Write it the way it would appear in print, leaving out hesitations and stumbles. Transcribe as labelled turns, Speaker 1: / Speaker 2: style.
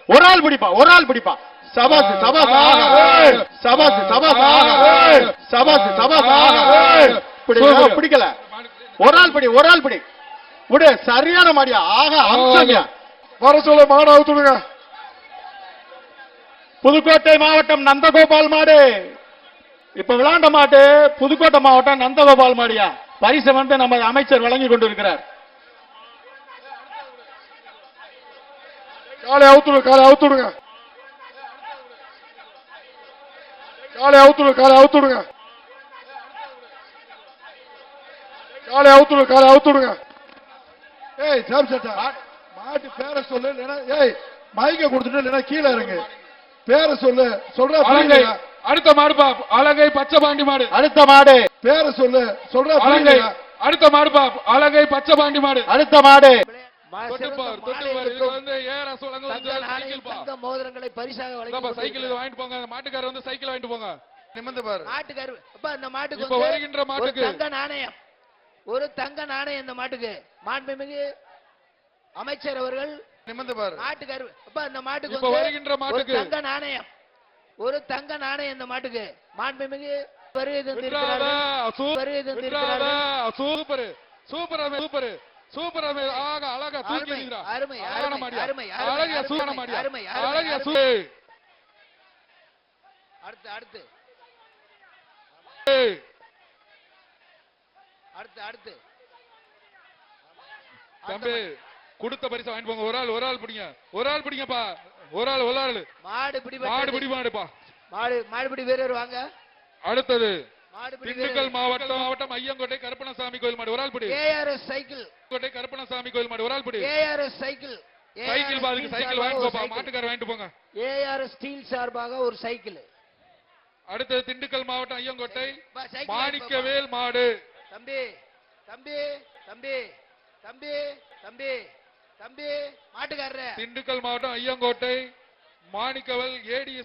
Speaker 1: ஒரு ஆள் பிடிப்பா, ஒரு ஆள் பிடிப்பா. சபாஸ் சபாஸ் சபாஸ் சபாஸ் சபாஸ் சபாஸ். பிடிக்கல, ஒரு ஆள் பிடி, ஒரு ஆள் பிடி. விடு, சரியான மாடியா. ஆக அம்சமியா.
Speaker 2: வர சொல்ல மாடு அவுத்துடுங்க.
Speaker 1: புதுக்கோட்டை மாவட்டம் நந்தகோபால் மாடு இப்ப விளாண்ட மாட்டு. புதுக்கோட்டை மாவட்டம் நந்தகோபால் மாடியா. பரிசு வந்து நம்ம அமைச்சர் வழங்கி கொண்டிருக்கிறார்.
Speaker 2: காலை அவுத்துடுங்க, காலை அவுத்துடுங்க, காலை அவுத்துடுங்க, காலை அவுத்துடுங்க, காலை அவுத்துடுங்க, காலை அவுத்துடுங்க. ஏய் சாம் சட்டா, மாட்டு பேரை சொல்லு. இல்லைன்னா ஏய் மைக்க கொடுத்துட்டு இல்லைன்னா கீழே இறங்கு. பேரை சொல்லு. சொல்ற
Speaker 3: அடுத்த மாடுப்பா, அழகை பச்சை பாண்டி மாடு.
Speaker 1: அடுத்த மாடு
Speaker 2: பேரை சொல்லு. சொல்ற
Speaker 3: அழகை அடுத்த மாடுப்பா, அழகை பச்சை பாண்டி மாடு.
Speaker 1: அடுத்த மாடு
Speaker 4: மோதிரங்களை பரிசாக வழங்கி
Speaker 3: சைக்கிள் வாங்கிட்டு போங்க. மாட்டுக்காரர் வந்து சைக்கிள் வாங்கிட்டு போங்க. நிமிர்ந்து பாரு.
Speaker 4: மாட்டுக்காரர் இந்த மாட்டுக்கு
Speaker 3: இப்ப வருகின்ற மாட்டுக்கு
Speaker 4: தங்க நாணயம், ஒரு தங்க நாணயம். இந்த மாட்டுக்கு மாண்புமிகு அமைச்சர் அவர்கள்
Speaker 3: நிமிர்ந்து பாரு.
Speaker 4: மாட்டுக்காரர் இந்த மாட்டுக்கு
Speaker 3: இப்ப வருகின்ற மாட்டுக்கு
Speaker 4: தங்க நாணயம், ஒரு தங்க நாணயம். இந்த மாட்டுக்கு மாண்புமிகு வருகை தந்திருக்கிறார்கள்.
Speaker 3: Super super super super. ஆக அழகா தூக்கி எறிகிறா.
Speaker 4: அருமை அருமை அருமை
Speaker 3: அழகிய சூப்பர் மாடியா.
Speaker 4: அருமை
Speaker 3: அழகிய
Speaker 4: அருமை.
Speaker 3: சூப்பர்.
Speaker 4: அடுத்து அடுத்து அடுத்து அடுத்து
Speaker 3: தம்பி கொடுத்த பரிசு வாங்கிட்டு போங்க. ஒரு ஆள் பிடிங்க, ஒரு ஆள் பிடிங்கப்பா. ஒரு ஆள்
Speaker 4: மாடு பிடி,
Speaker 3: மாடு பிடி மாடுப்பா.
Speaker 4: மாடுபிடி வீரர் வாங்க.
Speaker 3: அடுத்தது திண்டுக்கல் மாவட்டம் ஐயங்கோட்டை கருப்பணசாமி கோயில் மாடு. ஒரு ஆள் பிடி.
Speaker 4: ஏஆர்எஸ் சைக்கிள்
Speaker 3: கோட்டை கருப்பணசாமி கோயில் மாடு. ஒரு ஆள் பிடி.
Speaker 4: ஏஆர்எஸ் சைக்கிள்,
Speaker 3: சைக்கிள் பாதுக்கு சைக்கிள் வாங்கிட்டு போப்பா. மாட்டுக்காரர் வாங்கிட்டு போங்க.
Speaker 4: ஏஆர்எஸ் ஸ்டீல் சார்பாக ஒரு சைக்கிள்.
Speaker 3: அடுத்தது திண்டுக்கல் மாவட்டம் ஐயங்கோட்டை மாணிக்கவேல் மாடு.
Speaker 4: தம்பி தம்பி தம்பி தம்பி தம்பி தம்பி மாட்டுக்காரர்.
Speaker 3: திண்டுக்கல் மாவட்டம் ஐயங்கோட்டை மாணிக்கவேல் ஏடி